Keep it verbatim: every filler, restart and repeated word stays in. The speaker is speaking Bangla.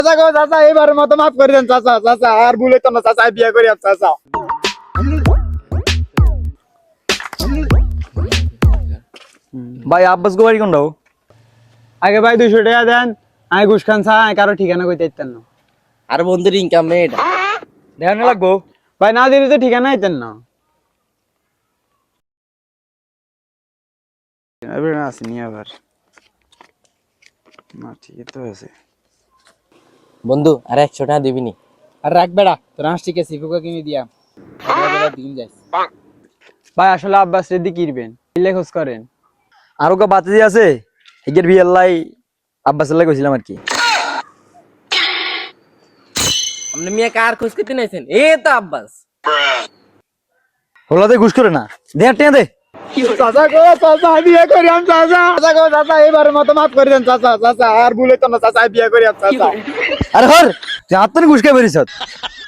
চাচা গো চাচা এবারের মতো মাফ করে দেন চাচা চাচা আর ভুলে তো না চাচা বিয়ে করি আর চাচা। ভাই আব্বাস গো বাড়ি কোনটাও? আগে ভাই দুইশো টাকা দেন, আমি ঘুষ খান চা আমি কারো ঠিকানা কইতে দিতেন না। আর বন্ধুর ইনকাম নেই এটা। দেখানো লাগবো। ভাই না দিলে তো ঠিকানা দিতেন না। এবার আসেনি আবার না, ঠিকই তো আছে। বন্ধু আর একশো টাকা দিবিনি? আর রাখ বেড়া তোর হাঁসটিকে সিফুকে কিনে দিয়া দিন যাই। ভাই আসলে আব্বাস রেডি কিনবেন খোঁজ করেন। আরো কা বাতি আছে এগের বিয়ে লাই আব্বাস লাই কইছিলাম আর কি। আপনি মিয়া কার খোঁজ করতে নাইছেন? এ তো আব্বাস। হলাতে ঘুষ করে না দে টিয়া দে। চাচা গো চাচা বিয়ে করি আমি চাচা চাচা গো চাচা এবারের মতো মাফ করে দেন চাচা চাচা আর ভুলে তো না চাচা বিয়ে করি আর চাচা। আরে হর তুই হাত তো ঘুষ খাই বেরিয়েছ।